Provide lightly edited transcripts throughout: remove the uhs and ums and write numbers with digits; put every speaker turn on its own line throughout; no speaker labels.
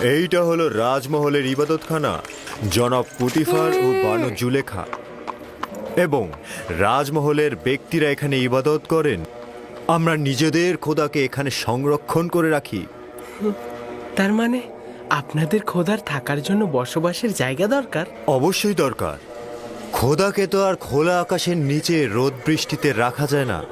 এইটা হলো রাজমহলের ইবাদতখানা, জনাব পুতিফার ও বানু জুলেখা। এবং রাজমহলের ব্যক্তিরা এখানে ইবাদত করেন। আমরা নিজেদের খোদাকে এখানে সংরক্ষণ করে রাখি।
তার মানে আপনাদের খোদার থাকার জন্য বসবাসের জায়গা দরকার?
অবশ্যই দরকার। খোদাকে তো আর খোলা আকাশের নিচে রোদ বৃষ্টিতে রাখা যায় না।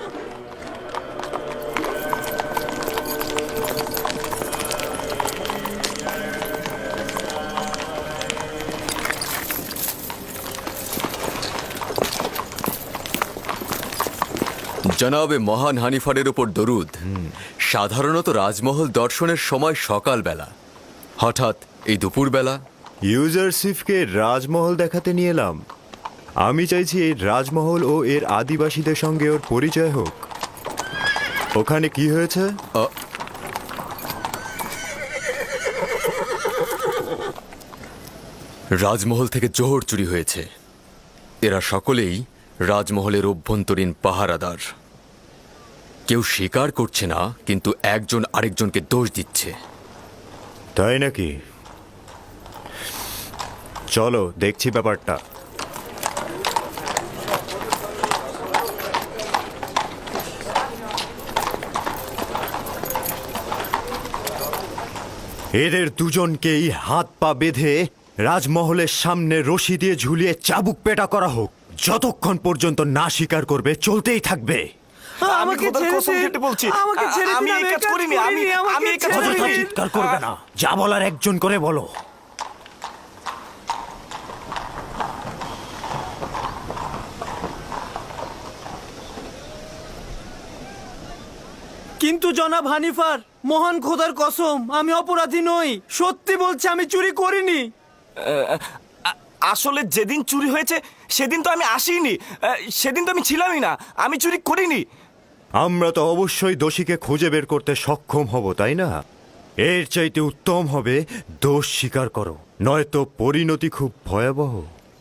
জনাবে মহান হানিফারের উপর দরুদ। সাধারণত রাজমহল দর্শনের সময় সকালবেলা, হঠাৎ এই দুপুরবেলা।
ইউজারসিফকে রাজমহল দেখাতে নিয়ে এলাম। আমি চাইছি এই রাজমহল ও এর আদিবাসীদের সঙ্গে ওর পরিচয় হোক। ওখানে কি হয়েছে?
রাজমহল থেকে জোহর চুরি হয়েছে। এরা সকলেই রাজমহলের অভ্যন্তরীণ পাহারাদার। কেউ স্বীকার করছে না, কিন্তু একজন আরেকজনকে দোষ দিচ্ছে।
তাই নাকি? চলো দেখছি ব্যাপারটা। এদের দুজনকেই হাত পা বেঁধে রাজমহলের সামনে রশি দিয়ে ঝুলিয়ে চাবুক পেটা করা হোক। যতক্ষণ পর্যন্ত না স্বীকার করবে চলতেই থাকবে।
আমাকে বলছি, আমি এই কাজ করিনি, আমি এই কাজ
অযথা
করিনি।
চিৎকার করবে না, যা বলার একজন করে বলো।
কিন্তু জনাব হানিফার, মহান খোদার কসম, আমি অপরাধী নই। সত্যি বলছি, আমি চুরি করিনি। আসলে যেদিন চুরি হয়েছে সেদিন তো আমি আসিনি, সেদিন তো আমি ছিলামই না। আমি চুরি করিনি।
আমরা তো অবশ্যই দোষীকে খুঁজে বের করতে সক্ষম হব, তাই না? এর চাইতে উত্তম হবে দোষ স্বীকার করো, নয়তো পরিণতি খুব ভয়াবহ।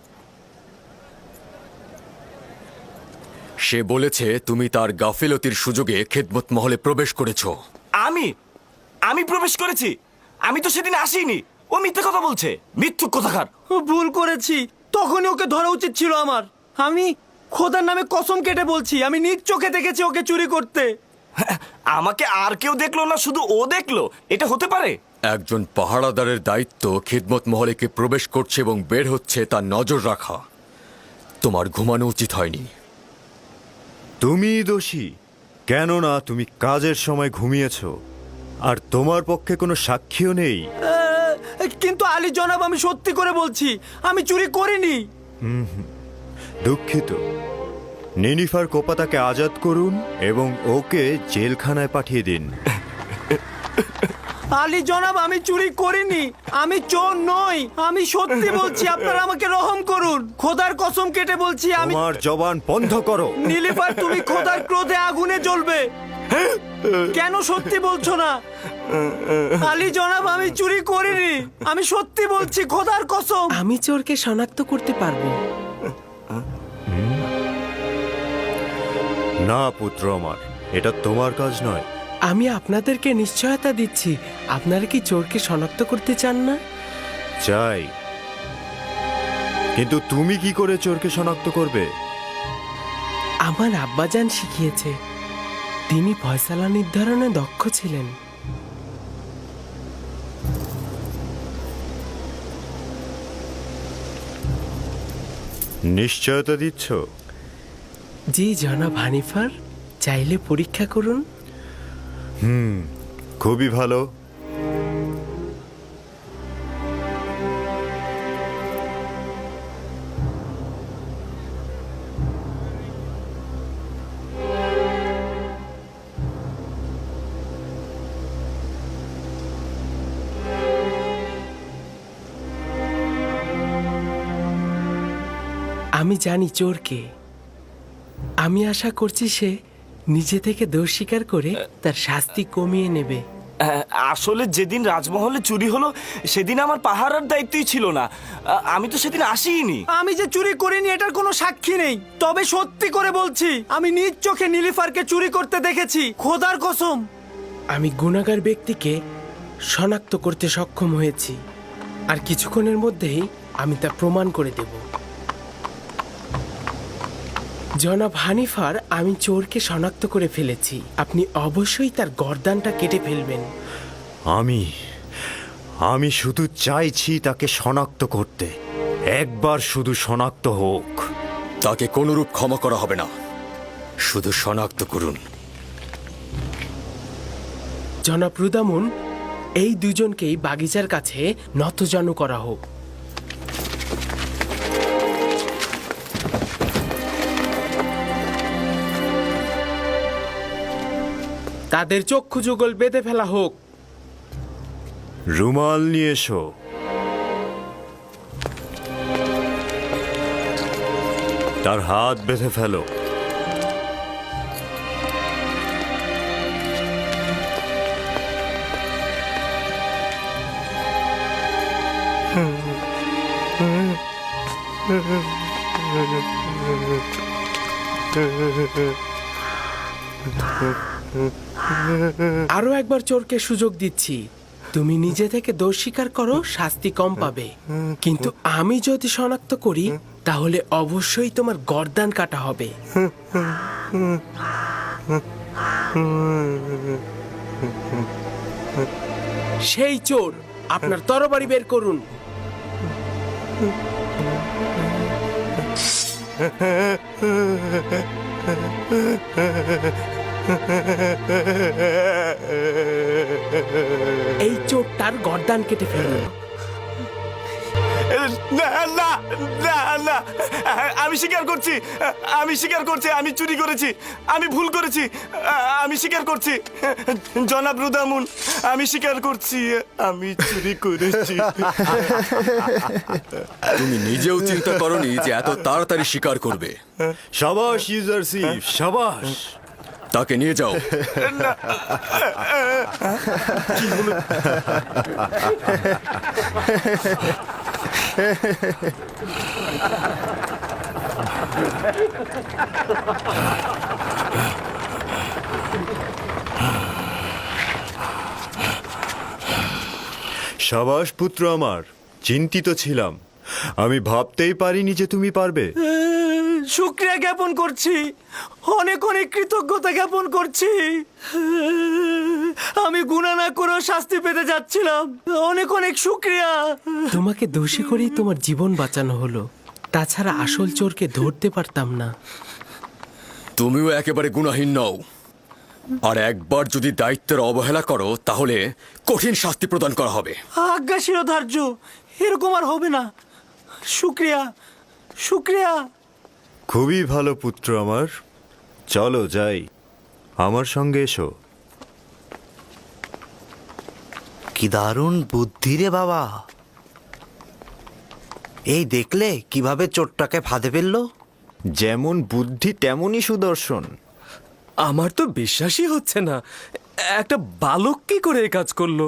সে বলেছে তুমি তার গাফিলতির সুযোগে খেদমত মহলে প্রবেশ করেছ।
আমি প্রবেশ করেছি? আমি তো সেদিন আসিনি। ও মিথ্যে কথা বলছে, মিথ্যুক কথাকার। ভুল করেছি, তখনই ওকে ধরা উচিত ছিল আমার। আমি খোদার নামে কসম কেটে বলছি, আমি নিজ চোখে দেখেছি ওকে চুরি করতে। আমাকে আর কেউ দেখলো না, শুধু ও দেখলো? এটা হতে পারে?
একজন পাহারাদারের দায়িত্ব খেদমত মহলে কে প্রবেশ করছে এবং বের হচ্ছে তার নজর রাখা। তোমার ঘুমানো উচিত হয়নি।
তুমি দোষী, কেননা তুমি কাজের সময় ঘুমিয়েছ, আর তোমার পক্ষে কোনো সাক্ষীও নেই।
কিন্তু আলী জনাব, আমি সত্যি করে বলছি, আমি চুরি করিনি।
দুঃখিত। নিনিফার কোপাতাকে আজাদ করুন এবং ওকে জেলখানায় পাঠিয়ে দিন।
আলী জনাব, আমি চুরি করিনি, আমি চোর নই, আমি সত্যি বলছি। আপনারা আমাকে রহম করুন, খোদার কসম কেটে বলছি। আমি
তোমার জবান বন্ধ করো।
নীলিফার, তুমি খোদার ক্রোধে আগুনে জ্বলবে। কেন সত্যি বলছো না? আলী জনাব, আমি চুরি করিনি, আমি সত্যি বলছি, খোদার কসম।
আমি চোরকে শনাক্ত করতে পারবো।
না পুত্র আমার, এটা তোমার কাজ নয়।
আমি আপনাদেরকে নিশ্চয়তা দিচ্ছি। আপনারা কি চোরকে শনাক্ত করতে চান না?
চাই, কিন্তু তুমি কি করে চোরকে শনাক্ত করবে?
আমার আব্বাজান শিখিয়েছে। তিনি ফয়সালা নির্ধারণে দক্ষ ছিলেন।
নিশ্চয়তা দিচ্ছ?
জি জনাব হানিফার, চাইলে পরীক্ষা করুন।
খুবই ভালো।
আমি জানি চোরকে। আমি আশা করছি সে নিজে থেকে দোষ স্বীকার করে তার শাস্তি কমিয়ে নেবে।
আসলে যেদিন রাজমহলে চুরি হলো সেদিন আমার পাহারার দায়িত্বই ছিল না। আমি তো সেদিন আসিনি। আমি যে চুরি করিনি এটার কোনো সাক্ষী নেই। তবে সত্যি করে বলছি, আমি নিজ চোখে নীলিফারকে চুরি করতে দেখেছি, খোদার কসম।
আমি গুনাহগার ব্যক্তিকে শনাক্ত করতে সক্ষম হয়েছি, আর কিছুক্ষণের মধ্যেই আমি তা প্রমাণ করে দেব। জনাব হানিফার, আমি চোরকে শনাক্ত করে ফেলেছি। আপনি অবশ্যই তার গর্দানটা কেটে ফেলবেন।
আমি শুধু চাইছি তাকে শনাক্ত করতে। একবার শুধু শনাক্ত হোক।
তাকে কোনরূপ ক্ষমা করা হবে না, শুধু শনাক্ত করুন।
জনাব রুদামুন, এই দুজনকেই বাগিচার কাছে নতজানু করা হোক। তাদের চক্ষু যুগল বেঁধে ফেলা হোক।
রুমাল নিয়ে এসো। তার হাত বেঁধে ফেলো।
আরো একবার চোরকে সুযোগ দিচ্ছি। তুমি নিজে থেকে দোষ স্বীকার করো, শাস্তি কম পাবে। কিন্তু আমি যদি শনাক্ত করি, তাহলে অবশ্যই তোমার গর্দান কাটা হবে। সেই চোর, আপনার তরবারি বের করুন। এই চোরটার গর্দান কেটে ফেলুন।
না না না না, আমি স্বীকার করছি, আমি চুরি করেছি, আমি ভুল করেছি, আমি স্বীকার করছি। জনাব রুদামুন, আমি স্বীকার করছি, আমি চুরি করেছি।
তুমি নিজেও চিন্তা করনি যে এত তাড়াতাড়ি স্বীকার করবে।
সাবাস ইউজারশিপ, সাবাস।
তাকে নিয়ে যাও।
সাবাস পুত্র আমার, চিন্তিত ছিলাম। আমি ভাবতেই পারিনি যে তুমি পারবে।
শুকরিয়া জ্ঞাপন করছি, অনেক অনেক কৃতজ্ঞতা জ্ঞাপন করছি। আমি গুনাহ না করেও শাস্তি পেতে যাচ্ছিলাম। অনেক অনেক শুকরিয়া।
তোমাকে দোষী করেই তোমার জীবন বাঁচানো হলো। তাছাড়া আসল চোরকে ধরতে পারতাম না।
তুমিও একেবারে গুনাহীন নও, আর একবার যদি দায়িত্বের অবহেলা করো তাহলে কঠিন শাস্তি প্রদান করা হবে।
আজ্ঞা শিরোধার্য, এরকম আর হবে না। শুকরিয়া, শুকরিয়া।
খুবই ভালো পুত্র আমার, চলো যাই, আমার সঙ্গে এসো।
কি দারুণ বুদ্ধি রে বাবা! এই দেখলে কিভাবে চোরটাকে ফাঁদে ফেললো?
যেমন বুদ্ধি তেমনই সুদর্শন।
আমার তো বিশ্বাসই হচ্ছে না, একটা বালক কি করে এই কাজ করলো।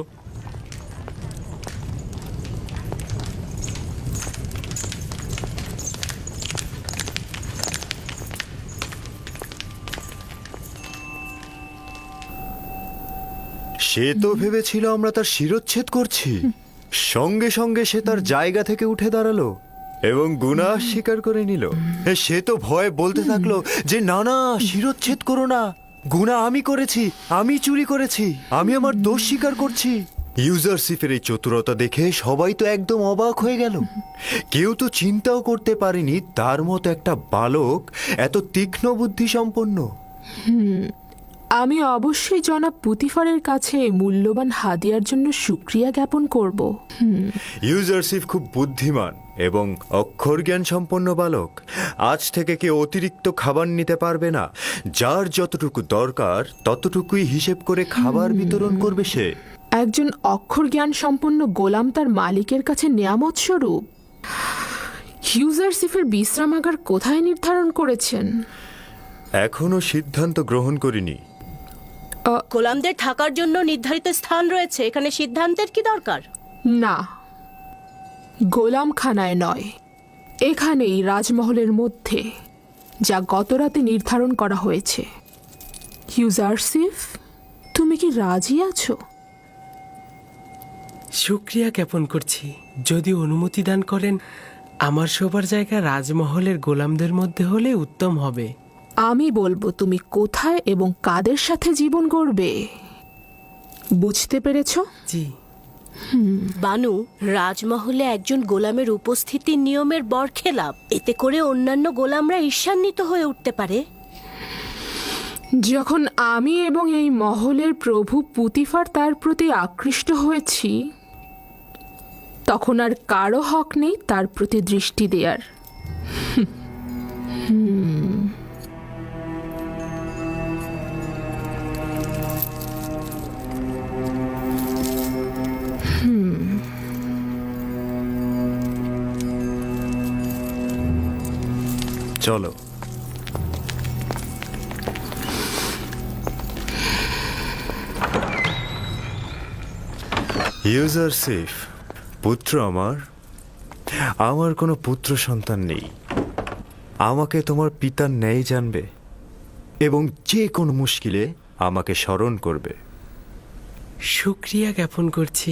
সে তো ভেবেছিল আমরা তার শিরচ্ছেদ করছি। সঙ্গে সঙ্গে সে তার জায়গা থেকে উঠে দাঁড়ালো এবং গুনাহ স্বীকার করে নিল। সে তো ভয়ে বলতে থাকলো যে না না, শিরচ্ছেদ করো না, গুনাহ আমি করেছি, আমি চুরি করেছি, আমি আমার দোষ স্বীকার করছি। ইউজারশিপের এই চতুরতা দেখে সবাই তো একদম অবাক হয়ে গেল। কেউ তো চিন্তাও করতে পারেনি তার মতো একটা বালক এত তীক্ষ্ণ বুদ্ধি সম্পন্ন।
আমি অবশ্যই জনাব পুতিফারের কাছে মূল্যবান হাদিয়ার জন্য শুকরিয়া জ্ঞাপন করব।
ইউজারশিপ খুব বুদ্ধিমান এবং অক্ষর জ্ঞান সম্পন্ন বালক। আজ থেকে কেউ অতিরিক্ত খাবার নিতে পারবে না। যার যতটুকু দরকার ততটুকুই হিসেব করে খাবার বিতরণ করবে সে।
একজন অক্ষর জ্ঞান সম্পন্ন গোলাম তার মালিকের কাছে নেয়ামত স্বরূপ। ইউজারশিপের বিশ্রামাগার কোথায় নির্ধারণ করেছেন?
এখনো সিদ্ধান্ত গ্রহণ করিনি।
গোলামদের থাকার জন্য নির্ধারিত স্থান রয়েছে, এখানে সিদ্ধান্তের কি দরকার?
না, গোলামখানায় নয়, এখানেই রাজমহলের মধ্যে, যা গতরাতে নির্ধারণ করা হয়েছে। ইউজারশিপ, তুমি কি রাজি আছো?
শুক্রিয়া জ্ঞাপন করছি। যদি অনুমতি দান করেন, আমার শোবার জায়গা রাজমহলের গোলামদের মধ্যে হলে উত্তম হবে।
আমি বলবো তুমি কোথায় এবং কাদের সাথে জীবন গড়বে। বুঝতে পেরেছো?
জি।
বানু, রাজমহলে একজন গোলামের উপস্থিতি নিয়মের বরখেলাপ। এতে করে অন্যান্য গোলামরা ঈর্ষান্বিত হয়ে উঠতে পারে।
যখন আমি এবং এই মহলের প্রভু পুতিফার তার প্রতি আকৃষ্ট হয়েছি, তখন আর কারো হক নেই তার প্রতি দৃষ্টি দেওয়ার।
চলো। ইউজারসিফ, পুত্র আমার কোনো পুত্র সন্তান নেই। আমাকে তোমার পিতার ন্যায় জানবে এবং যে কোনো মুশকিলে আমাকে স্মরণ করবে।
শুক্রিয়া জ্ঞাপন করছি।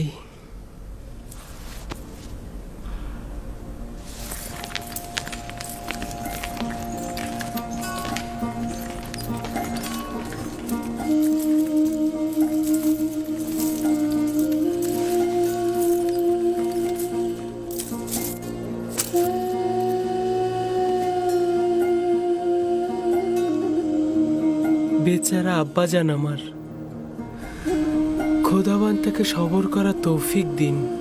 বেচারা আব্বাজান আমার, খোদাবান তাকে সবর করা তৌফিক দিন।